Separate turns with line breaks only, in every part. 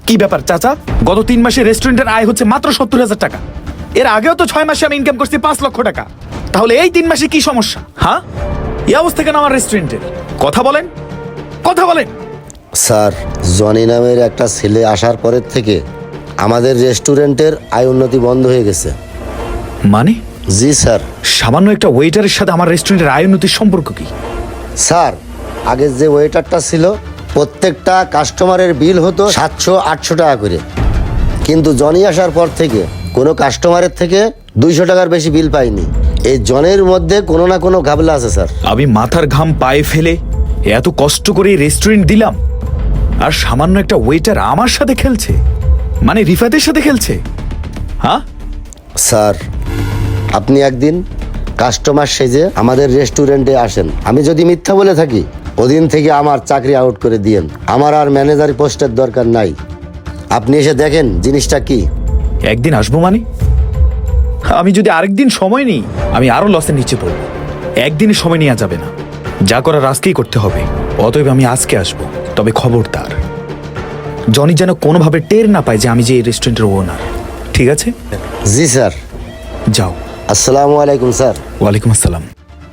কি ব্যাপার চাচা? গত 3 মাসে রেস্টুরেন্টের আয় হচ্ছে মাত্র 70,000 টাকা। এর আগেও তো 6 মাসে আমি ইনকাম করছি 5 লক্ষ টাকা। তাহলে এই 3 মাসে কি সমস্যা? হ্যাঁ, এই অবস্থা কেন আমার রেস্টুরেন্টের? কথা বলেন, কথা বলেন।
স্যার, জনি নামের একটা ছেলে আসার পরের থেকে আমাদের রেস্টুরেন্টের আয় উন্নতি বন্ধ হয়ে গেছে।
মানে?
জি স্যার।
সামান্য একটা ওয়েটারের সাথে আমার রেস্টুরেন্টের আয় উন্নতির সম্পর্ক কি?
স্যার, আগের যে ওয়েটারটা ছিল প্রত্যেকটা কাস্টমারের বিল হতো 700-800 টাকা করে, কিন্তু জনি আসার পর থেকে কোনো কাস্টমারের থেকে 200 টাকার বেশি বিল পাইনি। এই জনের মধ্যে কোনো না কোনো ঘাবলা আছে স্যার।
আমি মাথার ঘাম পায়ে ফেলে এত কষ্ট করে রেস্টুরেন্ট দিলাম, আর সামান্য একটা ওয়েটার আমার সাথে খেলছে, মানে রিফাতের সাথে খেলছে। হ্যাঁ
স্যার, আপনি একদিন কাস্টমার সেজে আমাদের রেস্টুরেন্টে আসেন। আমি যদি মিথ্যা বলে থাকি ওদিন থেকে আমার চাকরি আউট করে দিয়েন। আমার আর ম্যানেজার পোস্টের দরকার নাই। আপনি এসে দেখেন জিনিসটা কি।
একদিন আসবো মানে? আমি যদি আরেকদিন সময় নিই আমি আরো লসের নিচে পড়ব। একদিনে সময় নেওয়া যাবে না, যা করার আজকেই করতে হবে। অতএব আমি আজকে আসবো, তবে খবরদার জনি যেন কোনোভাবে টের না পায় যে আমি যে এই রেস্টুরেন্টের ওনার। ঠিক আছে?
জি স্যার।
যাও।
আসসালামু আলাইকুম স্যার।
ওয়ালাইকুম আসসালাম।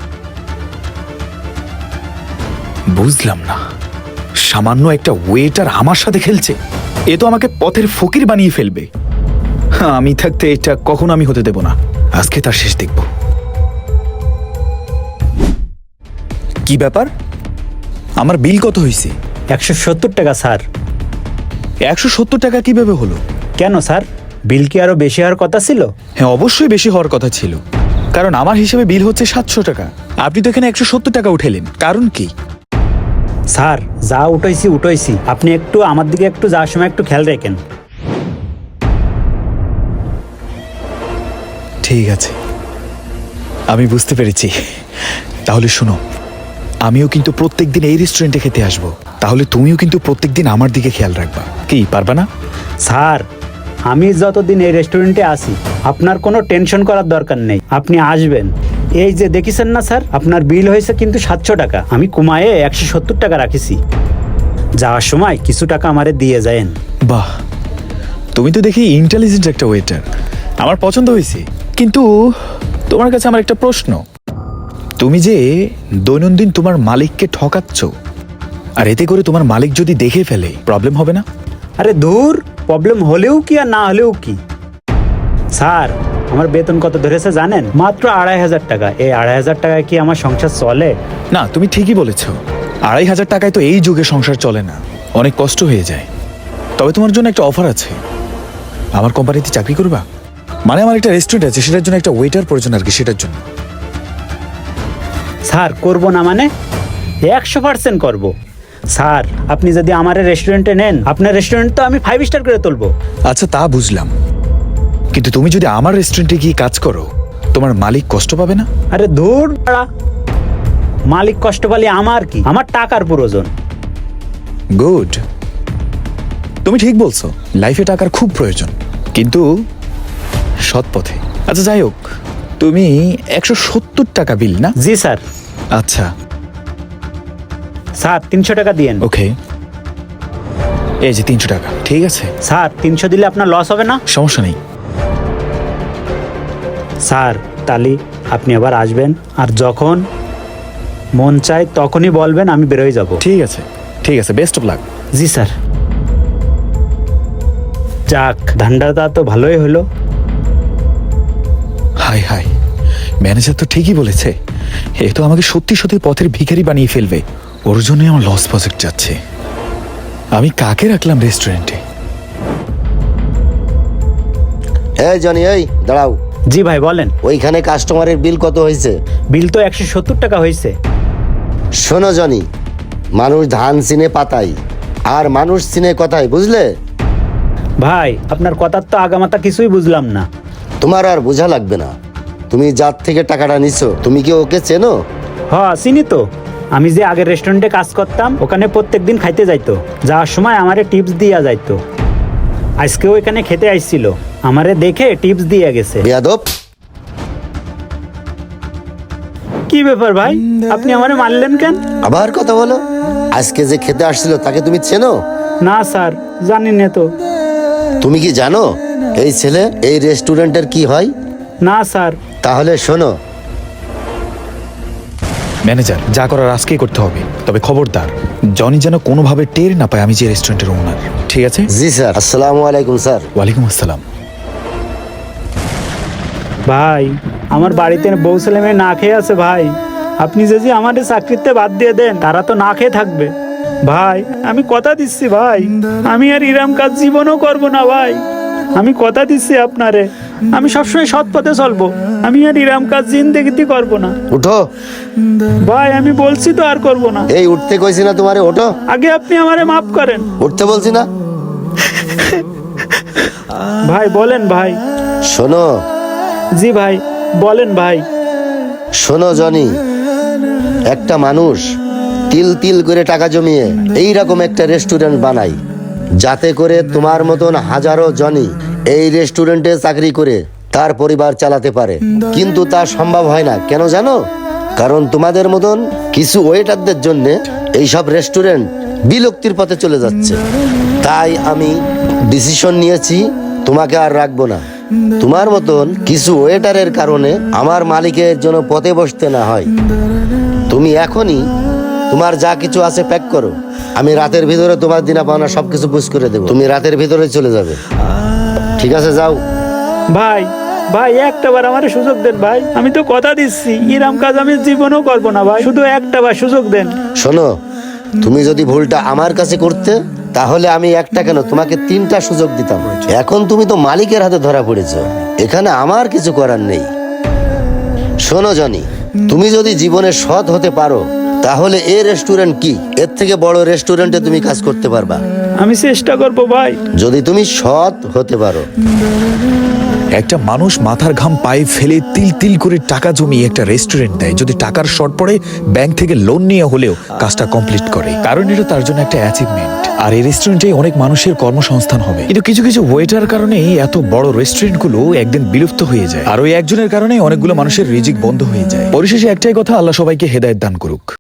বুঝলাম না, সামান্য একটা ওয়েটার আমার সাথে খেলছে। এ তো আমাকে পথের ফকির বানিয়ে ফেলবে। আমি থাকতে এটা কখনো আমি হতে দেব না। আজকে তার শেষ দেখব। কি ব্যাপার? আমার বিল কত হয়েছে?
170 টাকা স্যার।
170 টাকা কিভাবে হলো?
কেন স্যার, বিল কি আরো বেশি হওয়ার কথা ছিল?
হ্যাঁ, অবশ্যই বেশি হওয়ার কথা ছিল, কারণ আমার হিসেবে বিল হচ্ছে 700 টাকা। আপনি তো এখানে 170 টাকা উঠেলেন, কারণ কি?
স্যার, যা উঠাইছি, আপনি একটু আমার দিকে একটু যাওয়ার সময় একটু খেয়াল রাখেন।
ঠিক আছে, আমি বুঝতে পেরেছি। তাহলে শোনো, আমিও কিন্তু প্রত্যেকদিন এই রেস্টুরেন্টে খেতে আসবো। তাহলে তুমিও কিন্তু প্রত্যেকদিন আমার দিকে খেয়াল রাখবা। কি, পারবা না?
স্যার, আমি যতদিন এই রেস্টুরেন্টে আসি আপনার কোনো টেনশন করার দরকার নেই। আপনি আসবেন। এই যে দেখেছেন না স্যার, আপনার বিল হয়েছে কিন্তু 700 টাকা। আমি কমায়ে 170 টাকা রাখিছি। যাওয়ার সময় কিছু টাকা আমারে দিয়ে যায়েন।
বাহ, তুমি তো দেখি ইন্টেলিজেন্ট একটা ওয়েটার। আমার পছন্দ হয়েছে। কিন্তু তোমার কাছে আমার একটা প্রশ্ন। তুমি যে দৈনন্দিন তোমার মালিককে ঠকাচ্ছ, আর এতে করে তোমার মালিক যদি দেখে ফেলে প্রবলেম হবে না?
আরে দূর, প্রবলেম হলেও কি আর না হলেও কি। স্যার, আমার বেতন কত ধরেছে জানেন? মাত্র 2,500 টাকা। এই 2,500 টাকায় কি আমার সংসার চলে?
না, তুমি ঠিকই বলেছ। 2,500 টাকায় তো এই যুগে সংসার চলে না, অনেক কষ্ট হয়ে যায়। তবে তোমার জন্য একটা অফার আছে। আমার কোম্পানিতে চাকরি করবা? মানে আমার একটা রেস্টুরেন্ট আছে, সেটার জন্য একটা ওয়েটার প্রয়োজন আর কি, সেটার জন্য।
স্যার, করব না মানে? 100% করব। স্যার, আপনি যদি আমার রেস্টুরেন্টে নেন, আপনার রেস্টুরেন্ট তো আমি 5 স্টার করে তুলবো।
আচ্ছা, তা বুঝলাম, কিন্তু তুমি যদি আমার রেস্টুরেন্টে গিয়ে কাজ করো তোমার মালিক কষ্ট পাবে না?
আরে ধুর বাড়া, মালিক কষ্ট পালে আমার কি? আমার টাকার প্রয়োজন।
গুড, তুমি ঠিক বলছো, লাইফে টাকার খুব প্রয়োজন, কিন্তু সৎ পথে। আচ্ছা যাই হোক, তুমি 170 টাকা বিল না?
জি স্যার।
আচ্ছা
স্যার, 300 টাকা দিয়েন।
ওকে, এই যে 300 টাকা। ঠিক আছে
স্যার, 300 দিলে আপনার লস হবে না?
সমস্যা নেই।
স্যার, তালি আপনি আবার আসবেন, আর যখন মন চায় তখনই বলবেন, আমি বেরোয় যাব।
ঠিক আছে, ঠিক আছে, বেস্ট অফ লাক।
জি স্যার। যাক, ধান্দাটা তো ভালোই হলো।
হাই হাই, ম্যানেজার তো ঠিকই বলেছে, এ তো আমাকে সত্যি সত্যি পথের ভিখারি বানিয়ে ফেলবে। ওর জন্যই আমার লস প্রজেক্ট যাচ্ছে। আমি কাকে রাখলাম রেস্টুরেন্টে?
এই জনি, এই দাঁড়াও।
জি ভাই, বলেন।
ওইখানে কাস্টমারের বিল কত হয়েছে?
বিল তো 170 টাকা হয়েছে।
শোনো জনি, মানুষ ধান চিনে পাতায়, আর মানুষ চিনে কথায়, বুঝলে?
ভাই, আপনার কথার তো আগামাতা কিছুই বুঝলাম না।
তোমার আর বোঝা লাগবে না। তুমি যার থেকে টাকাটা নিছো, তুমি কি ওকে চেনো?
হ্যাঁ, চিনি তো। আমি যে আগের রেস্টুরেন্টে কাজ করতাম, ওখানে প্রত্যেকদিন খাইতে যাইতো। যাওয়ার সময় আমারে টিপস দিয়া যাইতো। আজকেও এখানে খেতে আইছিল, আমারে দেখে টিপস দিয়ে গেছে।
বেয়াদব!
কি ব্যাপার ভাই, আপনি আমারে মারলেন কেন?
আবার কথা বলো। আজকে যে খেতে আসছিল তাকে তুমি চেনো?
না স্যার জানি না তো।
তুমি কি জানো এই ছেলে এই রেস্টুরেন্টের কি হয়?
না স্যার।
তাহলে শোনো,
ম্যানেজার, যা করার আজকেই করতে হবে, তবে খবরদার জনি যেন কোনোভাবে টের না পায় আমি যে রেস্টুরেন্টের ওনার, ঠিক আছে?
জি স্যার। আসসালামু আলাইকুম স্যার।
ওয়ালাইকুম আসসালাম।
ভাই আমার বাড়িতে বউ ছেলে মেয়ে না খেয়ে আছে ভাই। আপনি যদি আমাদের চাকরিতে বাদ দিয়ে দেন তারা তো না খেয়ে থাকবে। ভাই আমি কথা দিচ্ছি ভাই, আমি আর ইরাম কাজ জীবনও করব না ভাই। আমি কথা দিচ্ছি আপনারে, আমি সবসময় সৎ পথে চলবো। আমি আর ইরাম কাজ জিন্দেগিতে করব না
উঠো।
ভাই, আমি বলছি তো আর করব না।
এই উঠতে কইছি না তোমারে? ওঠো।
আগে আপনি আমারে মাফ করেন।
উঠতে বলছি না?
ভাই বলেন ভাই।
শোনো,
জি ভাই বলেন ভাই।
শোনো জনি, একটা মানুষ তিল তিল করে টাকা জমিয়ে এইরকম একটা রেস্টুরেন্ট বানায়, যাতে করে তোমার মতন হাজারো জনি এই রেস্টুরেন্টে চাকরি করে তার পরিবার চালাতে পারে। কিন্তু তা সম্ভব হয় না, কেন জানো? কারণ তোমাদের মতন কিছু ওয়েটারদের জন্য এইসব রেস্টুরেন্ট বিলুপ্তির পথে চলে যাচ্ছে। তাই আমি ডিসিশন নিয়েছি তোমাকে আর রাখবো না। তোমার মতন কিছু ওয়েটারের কারণে আমার মালিকের জন্য পথে বসতে না হয়। তুমি এখনই তোমার যা কিছু আছে প্যাক করো। আমি রাতের ভিতরে তোমার দিনা পাওনা সবকিছু বুঝ করে দেবো। তুমি রাতের ভিতরে চলে যাবে, ঠিক আছে? যাও।
ভাই ভাই একটা বার আমারে সুযোগ দেন ভাই, আমি তো কথা দিচ্ছি ইরাম কাজ আমি জীবনেও করবো না ভাই। শুধু একটা বার সুযোগ দেন।
শোনো, তুমি যদি ভুলটা আমার কাছে করতে তাহলে আমি একটা কেন তোমাকে 3টা সুযোগ দিতাম। এখন তুমি তো মালিকের হাতে ধরা পড়েছো, এখানে আমার কিছু করার নেই। শোনো জনি, তুমি যদি জীবনে সৎ হতে পারো তাহলে এই রেস্টুরেন্ট কি, এর থেকে বড় রেস্টুরেন্টে তুমি কাজ করতে পারবা,
আমি চেষ্টা করবো ভাই।
যদি তুমি সৎ হতে পারো।
একটা মানুষ মাথার ঘাম পায়ে ফেলে তিল তিল করে টাকা জমিয়ে একটা রেস্টুরেন্ট দেয়, যদি টাকার শর্ট পড়ে ব্যাংক থেকে লোন নিয়ে হলেও কাজটা কমপ্লিট করে, কারণ এটা তার জন্য একটা অ্যাচিভমেন্ট। আর এই রেস্টুরেন্টে অনেক মানুষের কর্মসংস্থান হবে। কিন্তু কিছু কিছু ওয়েটার কারণে এত বড় রেস্টুরেন্টগুলো একদিন বিলুপ্ত হয়ে যায়, আর ওই একজনের কারণে অনেকগুলো মানুষের রিজিক বন্ধ হয়ে যায়। পরিশেষে একটাই কথা, আল্লাহ সবাইকে হেদায়েত দান করুক।